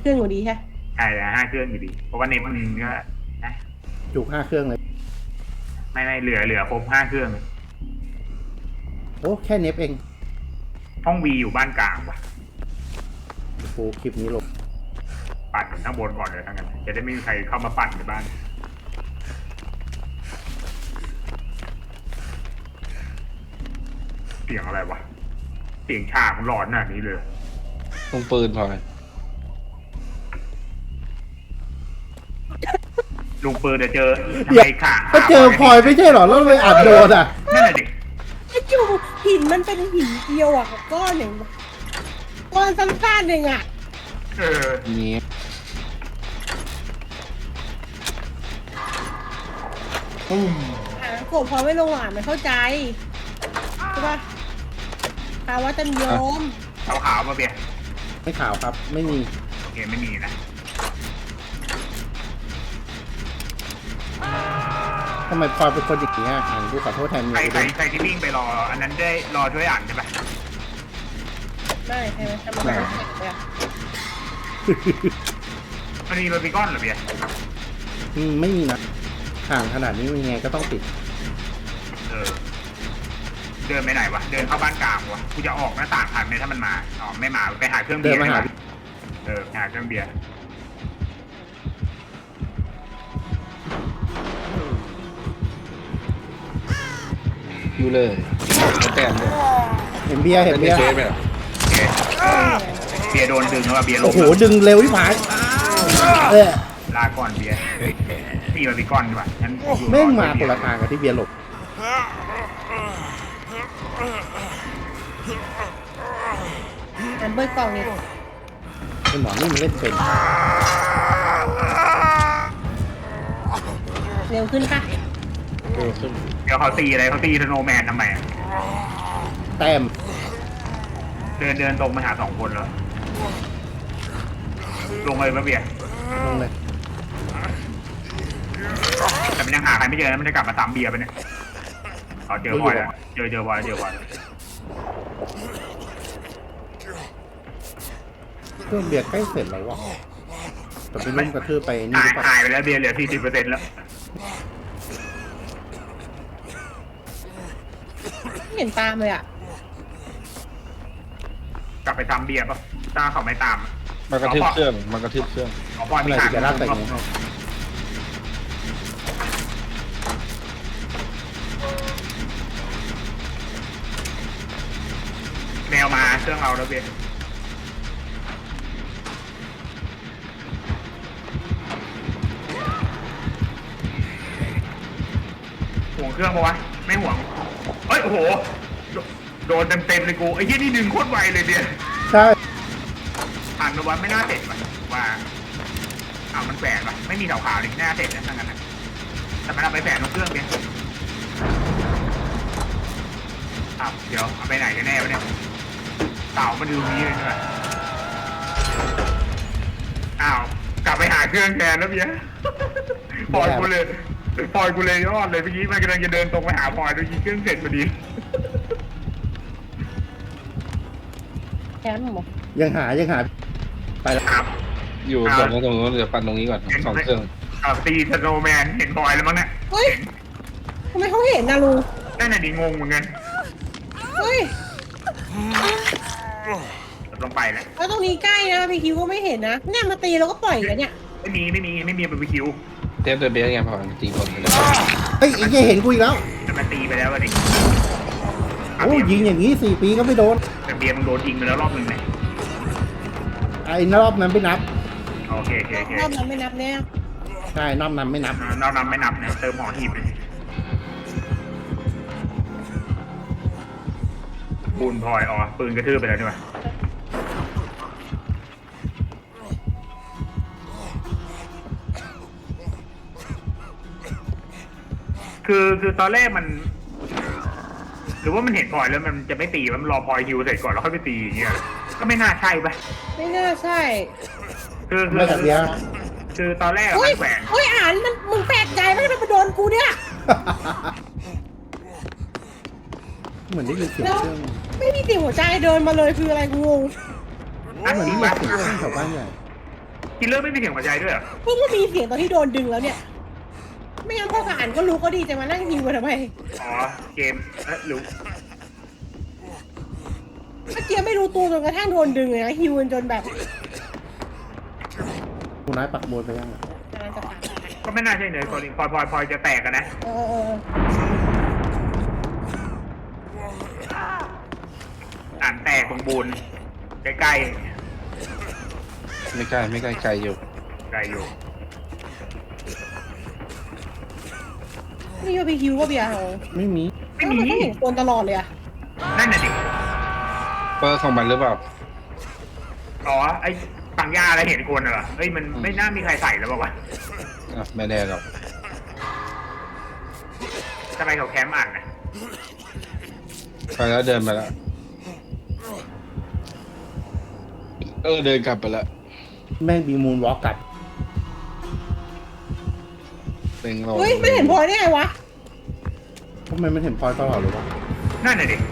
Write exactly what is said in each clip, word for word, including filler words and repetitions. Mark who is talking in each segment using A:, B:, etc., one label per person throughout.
A: เครื่องอยู่ดีใช่
B: ใช่ห้าเครื่องอยู่ดีเพราะว่าเน็ตมันก็นะ
C: จุกห้าเครื่องเลย
B: ไม่ไม่เหลือเหลือครบห้าเครื่อง
C: โอ้แค่เน็บเอง
B: ห้องวีอยู่บ้านกลางว่ะ
C: โอ้โหคลิปนี้ลง
B: ปั่นข้างบนก่อนเลยทั้งนั้นจะได้ไม่มีใครเข้ามาปั่นในบ้านเสียงอะไรวะเสียงฉากมันหลอนขนาดนี้เลย
D: ตรงปืนพอย
B: ลุงปืนจะเจอทำไมขา
C: ก็เจอพลอยไม่ใช่หรอแล้วเลยอัดโดนอ่ะ
B: นั่นแหละดิ
A: ไอ้จูหินมันเป็นหินเดียวอ่ะก้อนหนึ่งก้อนสั้นๆหนึ่งอ่ะ
B: เออ
D: นี้
C: อืม
A: อ่ะโกรธพอไม่ลงหวานมันเข้าใจใช่ปะภาวะจำยม
B: ขาวขาวมาเบียร์
C: ไม่ข่าวครับไม่มี
B: โอเคไม่มีนะ
C: ทำไมพลอยเป็นคนอย่างนี้อ่ะดูขอโทษแทนเมี
B: ใคร
C: ย
B: ใครใครที่วิ่งไปรออันนั้นได้รอช่วยอ่านใช่ปะ
A: ไม่ใช่ไหมทำไมไม่ได้
B: มันมีบาร์บีคอนเหรอเบียร์
C: อืมไม่มีนะห่างขนาดนี้ยังไงก็ต้องติด
B: เออเดินไปไหนวะเดินเข้าบ้านกลางวะกูจะออกหน้าต่างทันไหมถ้ามันมาอ๋อไม่มาไปหาเครื่องเบียร์เออหาเครื่องเบียร์
D: อยู่เลยแต้มเลย
C: เห็นเบียร์เห็นเบียร์
D: เบีย
B: ร์โดนดึงแล้วเบียร์ลง
C: โอ้โหดึงเร็วที่ผายเออ
B: ลาก่อนเบียร์พี่บาร์บีคอนดีกว่าฉัน
C: แม่งมาคนละทางกับที่เบียร์หลบ
A: อันเบิร์กล่องนี่
C: ไอ้หมอนี่มันเล่นเป็น
A: เร็วขึ้นค่ะ
D: เร็วขึ้น
B: เดี๋ยวเขาตีอะไรเขาตีธโนแมนทำไมอ่ะ
C: แต้ม
B: เดินเดินตรงมาหาสองคนเลยลงเลยปะเบียร์
C: ลงเลย
B: แต่มันยังหาใครไม่เจอนะมันจะกลับมาตามเบียร์ไปเนี่ยอ๋อเจอบอยแล้วเจอเจอบอยเจอบอย
C: เครื่องเบียร์ใกล้เสร็จแล้ววะแต่ไปลุ่มกระทืบไปนี่หรือเปล่า
B: หายไปแล้วเบียร์เหลือสี่สิบเปอร์เซ็นต์แล้ว
A: ไม่เห็นตามเลยอ่ะ
B: กลับไปตามเบียร์ป่ะตาเขาไม่ตาม
D: มันกระทืบเครื่องมันกระทืบเครื่อง
B: อ๋อบอยมีทาง
C: จะลากแต่งนี้
B: แมวมาเครื่องเราแล้วเบียร์ห่วงเครื่องปะวะไม่ห่วงเอ้ยโอ้โหโดนเต็มเต็มเลยกูไอ้ยี่นี่ดึงโคตรไวเลยเบียร์
C: ใช่
B: ผ่านมาวันไม่น่าเสร็จว่ะว่าอ้าวมันแฝงว่ะไม่มีเสาขาวเลยน่าเสร็จนะทั้งนั้นนะแต่มันเอาไปแฝงตรงเครื่องเบียร์อ้าวเดี๋ยวเอาไปไหนกันแน่วะเนี่ยเต่ามันดูนี้เลยใช่ไหมอ้าวกลับไปหาเครื่องแทนแล้วเบียร์ปล่อยกูเลยปล่อยกูเลยยอดเลยเมื่อกี้มันกำลังจะเดินตรงไปหาพลอยโดยยิงเครื่องเสร็จพอดี
A: แคมป์หรอ
C: ยังหายังหาไปแล้ว
B: ครับ
D: อยู่ส่วนตรงนู้นเดี๋ยวปั่นตรงนี้ก่อนสองเครื่อง
B: อ่าตีสโนว์แมนเห็นพลอยแล้วมั้งเนี่ย
A: เฮ้ยทำไมเขาเห็นนะลุง
B: นั่นน่ะดิงงเหมือนกัน
A: เฮ้ย
B: ลงไปแหละ
A: แล้วตรงนี้ใกล้นะพี่คิวก็ไม่เห็นนะเนี่ยมาตีแล้วก็ปล่อยกันเนี่ย
B: ไม่มีไม่มีไม่มีบาร์บีคิว
D: เทปตัวเบสไงพอตีคนไปเลย
C: เฮ้ยไอ้เหี้ยเห็นกูอีกแล้ว
B: จะมาตีไปแล้วดิ
C: โอ้ยิงอย่างนี้สี่ปีก็ไม่โดน
B: แต่เบียร์มึงโดนยิงไปแล้วรอบนึงเนี่ย
C: ไอ้รอบนั้นไม่นับ
B: โอเคโอเคโอเค
A: รอบนั้นไม่นับแน่
C: ใช่รอบนั้นไม่นับ
B: รอบนั้นไม่นับเนี่ยเติมหอหีบเลยบูนพลอยอ๋อปืนกระทืบไปแล้วใช่ไหมคือคือตอนแรกมันหรือว่ามันเห็นพลอยแล้วมันจะไม่ตีมันรอพลอยฮิวเสร็จก่อนแล้วค่อยไปตีอย่างเงี้ยก็ไม่น่าใช่ปะ
A: ไม่น่าใช่
B: คือคือคือตอนแรกมันแขวน
A: เฮ้ยอ่านมันมึงแปลกใจไหมมันมาโดนกูเนี่ย
C: เหมือนได้ยินเสียงเครื่อง
A: ไม่มีเสียงหัวใจเดินมาเลยคืออะไรกูงง
C: เหมือนมีเสียงเครื่องแถวบ้านใหญ่
B: กินเลอร์ไม่มีเสียงหัวใจด้วยเหรอ
A: เพิ่งก็มีเสียงตอนที่โดนดึงแล้วเนี่ย ไม่งั้นพ่อทหารก็รู้ก็ดีจะมานั่งฮิวกันทำไม
B: อ๋อเกมเอ๊ะรู้
A: เมื่อกี้ไม่รู้ตัวจนกระทั่งโดนดึงเลยนะฮิวกันจนแบบ
C: คุณนายปักบนไปยังอะ
A: กำลังจะผ่าน
B: ก็ไม่น่าใช่เนยคนพลอยพลอยพลอยจะแตกกันนะ
A: เออเออ
B: อ่านแตกตรงบูนใกล้
D: ไม่ใกล้ไม่ใกล้ไกลอยู่
B: ๆไกลอยู่
A: นี่ก็ไปฮิวก็เบียร์เหรอ
C: ไม่มี
B: ไม่มี
A: นก็เห็นคนตลอดเลยอะ
B: นั่นน่ะดิ
D: เปอร์ของมันหรือเปล่า
B: อ๋อไอ้ปังยาอะไรเห็นคนเหรอเฮ้ยมันไม่น่ามีใครใส่แล้วบอกว่าว
D: อ่ะไม่แน่หรอก
B: ะทำไมเขาแคมป์อ่านนะ
D: ไปแล้วเดินไปแล้วเออเดินกลับไปแล้ว
C: แม่งบีมูนวอล์กกลับ
D: เต็งเรา
A: เฮ้ยไม่เห็นพลอยได้ไงวะ
C: ทำไมมันเห็นพลอยตลอดเลยวะ
B: นั่นน่ะดิ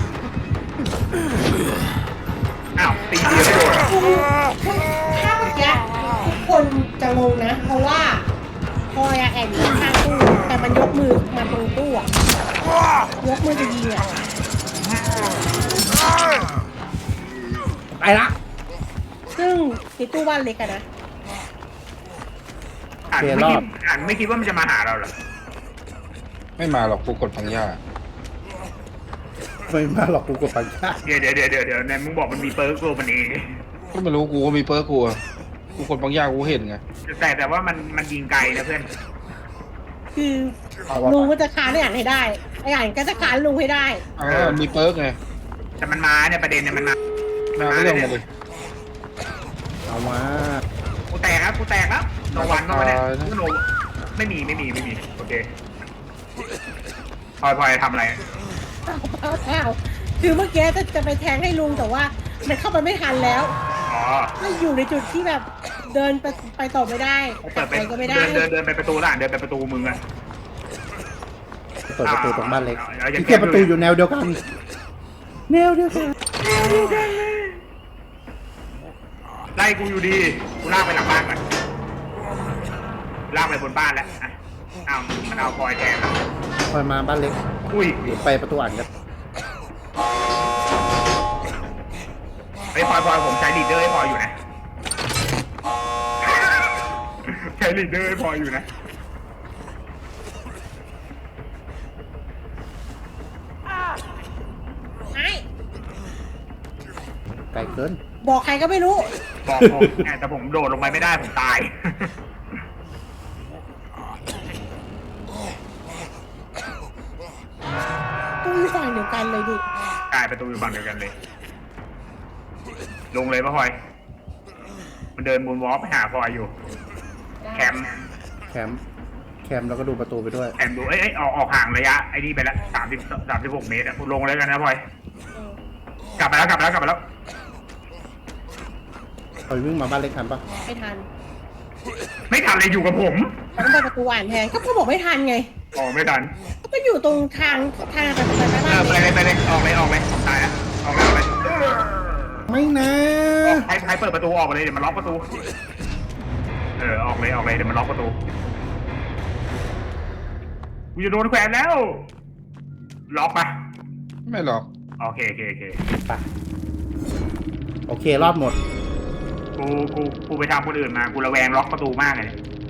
B: อ้าวตีเดียวไม่โดน
A: ถ้าเมื่อกี้ทุกคนจะงงนะ เพราะว่าพลอยอะแอบอยู่ข้างตู้แต่มันยกมือมาตรงตู้อะยกมือจะยิงอะ
C: ไปละ
A: ซึ่งในตู้บ้านเล็กอะนะ
B: อ่านไม่คิดอ่านไม่คิดว่ามันจะมาหาเราเหรอ
D: ไม่มาหรอกกูกดพังย่า
C: ไม่มาหรอกกูกดปังชา
B: เดี๋ยวเดี๋ยวเดี๋ยวเดี๋ยวเดี๋ยวเนี่ยมึงบอกมันมีเปิร์กโลมันเอง
D: ก็ไม่รู้กูก็มีเปอร์กูอะกูกดพังย่ากูเห็นไง
B: แต่แต่ว่ามันมันยิงไกลนะเพื่อน
A: คือลุงก็จะค้านไอ้อ่านให้ได้ไอ้อ่านก็จะค้านลุงให้ได้
D: อ้าวมันมีเปอร์ไง
B: แต่มันมาเนี่ยประเด็นเนี่ยมันมา
D: มาไม่ลงมาเลย
C: เอามา
B: กูแตกครับกูแตกครับโนวันเข้ามาเนี่ย
D: ตายนะ
B: กูโนไม่มีไม่มีไม่มีโอเคพลอยพลอยทำอะไร
A: อ้าวอ้าวคือเมื่อกี้จะจะไปแทงให้ลุงแต่ว่ามันเข้าไปไม่ทันแล้ว
B: อ๋อ
A: ไม่อยู่ในจุดที่แบบเดินไปไปต่อไม่ได้ก
B: เปิ
A: ลั
B: ด
A: บ
B: ไป
A: ไปก็ไม่ได้
B: เดินเดินเดินไปประตูล่างเดินไปประตูมึงอะ
C: เปิดประตูตรงบ้านเล็ก
B: เอาเอาอย่า
C: ที่เกียประตูอยู่แนวเดียวกัน แนวเดียวกัน
B: ไล่กูอยู่ดีกูลากไปหลังบ้านก่อนลากไปบนบ้านแล้วอ่ะอ้าวมันเอาพลอยแทนแล้ว
C: พลอยมาบ้านเล็ก
B: อุ้ย
C: หรือไปประตูอ่านกัน
B: ไอ้ยพลอยพลอยผมใช้ลีดเดอร์ให้พลอยอยู่นะใช้ลีดเดอร์ให้พลอยอยู่นะ
A: ไอ้
C: ไกลเกิน
A: บอกใครก็ไม่รู้
B: บอกผมไงแต่ผมโดดลงไปไม่ได้ผมตาย
A: ตู้อยู่ฝั่งเดียวกันเลยดิ
B: กลายประตูอยู่ฝั่งเดียวกันเลย ลงเลยปะพลอย มันเดินมูนวอล์กไปหาพลอยอยู่ แคมป์
C: แคมป์แคมป์แล้วก็ดูประตูไปด้วย
B: แคมป์ดูเอ้ยเอ้ยออกออกห่างระยะไอ้นี่ไปละสามสิบสามสิบหกเมตรอะลงเลยกันนะพลอย กลับมาแล้วกลับมาแล้วกลับมาแล้ว
C: พลอยวิ่งมาบ้านเล็กทันปะ
A: ไม่ทัน
B: ไม่ทันเลยอยู่กับผม
A: ต้องไปประตูอ่านแทนก็พ่อบอกไม่ทันไง
B: ออกไม่ทัน
A: ก็อยู่ตรงทางทางไปไปไป
B: เอ
A: บ้า
B: อน ไป
A: เล็ก
B: เลยไปเลยออกเลยออกเลยผมตายแล้วออกเลยออกเลย
C: ไม่นะ
B: ใครใครเปิดประตูออกไปเลยเดี๋ยวมันล็อกประตู เออออกเลยออกเลยเดี๋ยวมันล็อกประตูกูจะโดนแขวนแล้ว ล็อกปะ
D: ไม่หรอก
B: โอเคโอเคโอเค
C: ไปโอเครอดหมด
B: กูกูกูไปทำคนอื่นมากูระแวงล็อกประตูมากเลยเนี่ย